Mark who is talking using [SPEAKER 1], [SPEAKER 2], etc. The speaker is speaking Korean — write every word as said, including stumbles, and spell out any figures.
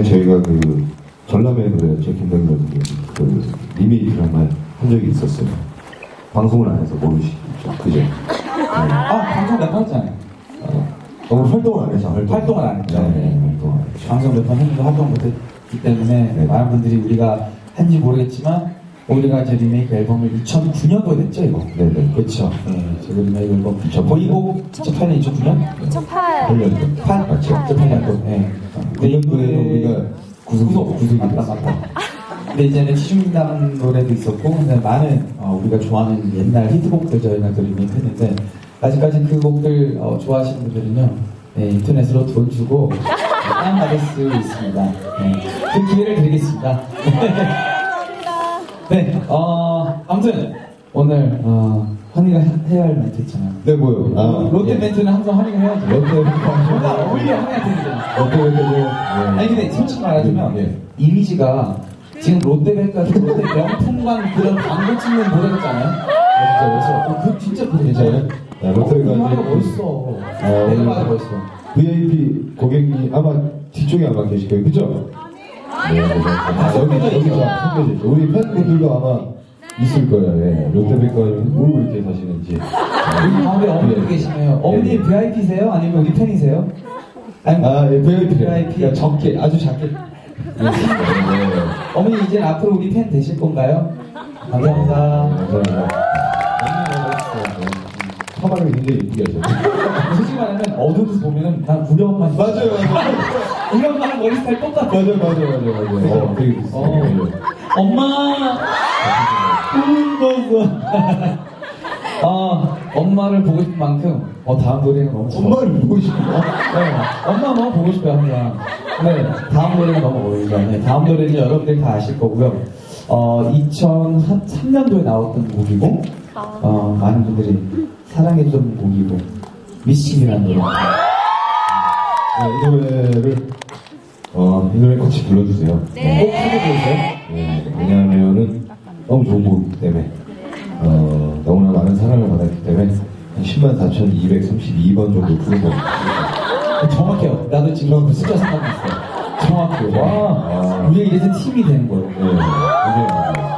[SPEAKER 1] 저희가 그 전람회 노래였죠. 김동률 그 리메이크를 한번 한 적이 있었어요. 방송을 안 해서 모르시죠, 그죠? 네.
[SPEAKER 2] 아, 방송 몇 번 했잖아요.
[SPEAKER 1] 어, 어, 활동을 안 했죠. 활동.
[SPEAKER 2] 활동을 안 했죠.
[SPEAKER 1] 네, 네, 활동 안 했죠.
[SPEAKER 2] 방송 몇 번 했는데 활동 못했기 때문에
[SPEAKER 1] 네.
[SPEAKER 2] 많은 분들이 우리가 한지 모르겠지만 우리가 이제 리메이크 앨범을 이천구 년도에 냈죠, 이거.
[SPEAKER 1] 네네.
[SPEAKER 2] 그쵸. 네, 저 리메이크 앨범.
[SPEAKER 1] 이천팔 년?
[SPEAKER 2] 보이곡 이천팔 년, 이천구 년?
[SPEAKER 3] 이천팔.
[SPEAKER 1] 팔 년도.
[SPEAKER 2] 팔?
[SPEAKER 1] 맞죠.
[SPEAKER 2] 이천팔 년도. 네.
[SPEAKER 1] 그 년도에는 우리가 구속이 구속이
[SPEAKER 2] 맞다,
[SPEAKER 1] 됐어요.
[SPEAKER 2] 맞다. 근데 이제는 시중당 노래도 있었고, 근데 많은 어, 우리가 좋아하는 옛날 히트곡들 저희가 또 리메이크 했는데, 아직까지 그 곡들 어, 좋아하시는 분들은요, 네, 인터넷으로 돈 주고 다운받을 수 있습니다. 네, 그 기회를 드리겠습니다. 네, 어, 아무튼 오늘 어, 환희가 해야 할 멘트 있잖아요.
[SPEAKER 1] 네, 뭐요? 아,
[SPEAKER 2] 롯데
[SPEAKER 1] 예.
[SPEAKER 2] 멘트는 항상 환희가 해야죠.
[SPEAKER 1] 롯데 멘트
[SPEAKER 2] 뭔가 어울려 환희가 되니까.
[SPEAKER 1] 롯데 멘트죠. 예.
[SPEAKER 2] 아니 근데 솔직히 말하자면
[SPEAKER 1] 예.
[SPEAKER 2] 이미지가 지금 롯데백화점 롯데 명품관 그런 광고 찍는 모델 같잖아요.
[SPEAKER 1] 진짜
[SPEAKER 2] 어, 그 진짜 그거
[SPEAKER 1] 괜찮아요? 네, 롯데가
[SPEAKER 2] 하나
[SPEAKER 1] 이제
[SPEAKER 2] 멋있어.
[SPEAKER 1] 어,
[SPEAKER 2] 내가 봐도 멋있어.
[SPEAKER 1] 브이아이피 고객님 아마 뒤쪽에 아마 계실 거예요, 그죠? 네, 네, 네. 아, 여기 여기가 숨겨져 있죠. 우리 팬분들도 아마 있을 거예요. 예. 롯데백화점 모르고 이렇게 사시는지.
[SPEAKER 2] 여기 가운데 어머니 계시네요. 어머니
[SPEAKER 1] 네.
[SPEAKER 2] 브이아이피세요? 아니면 우리 팬이세요? 아니,
[SPEAKER 1] 아, 예, 브이아이피.
[SPEAKER 2] 브이아이피.
[SPEAKER 1] 그러니까 적게, 아주 작게. 네, 네.
[SPEAKER 2] 어머니 이제 앞으로 우리 팬 되실 건가요? 감사합니다.
[SPEAKER 1] 감사합니다. 화발을 굉장히 이쁘게 하죠.
[SPEAKER 2] 솔직히 말하면 어두워서 보면은 난 우리 엄마지.
[SPEAKER 1] 맞아요, 맞아요.
[SPEAKER 2] 우리 엄마랑 머리 스타일 똑같아.
[SPEAKER 1] 맞아요, 맞아요, 맞아요, 맞아요. 어, 되게 비슷해요.
[SPEAKER 2] 어. 엄마! 울었어. 어, 엄마를 보고 싶은 만큼, 어, 다음 노래가 너무 좋아.
[SPEAKER 1] 엄마를 보고 싶어.
[SPEAKER 2] 네, 엄마 너무 보고 싶어요, 항상. 네, 다음 노래가 너무 어울리죠. 네, 다음 노래는 여러분들이 다 아실 거고요. 어, 이천삼 년도에 나왔던 곡이고, 어, 많은 분들이 사랑해주던 곡이고, 미싱이라는 노래.
[SPEAKER 1] 네, 이 노래를, 어, 이 노래 같이 불러주세요.
[SPEAKER 2] 꼭 해보세요.
[SPEAKER 1] 네, 왜냐하면은 너무 좋은 곡이기 때문에, 어, 너무나 많은 사랑을 받았기 때문에, 한 십만 사천이백삼십이 번 정도 부른 것 같아요.
[SPEAKER 2] 정확해요. 나도 지금 그 숫자 생각났어. 정확해요. 와,
[SPEAKER 1] 아.
[SPEAKER 2] 우리가 이래서 팀이 되는 거예요.
[SPEAKER 1] 네, 굉장히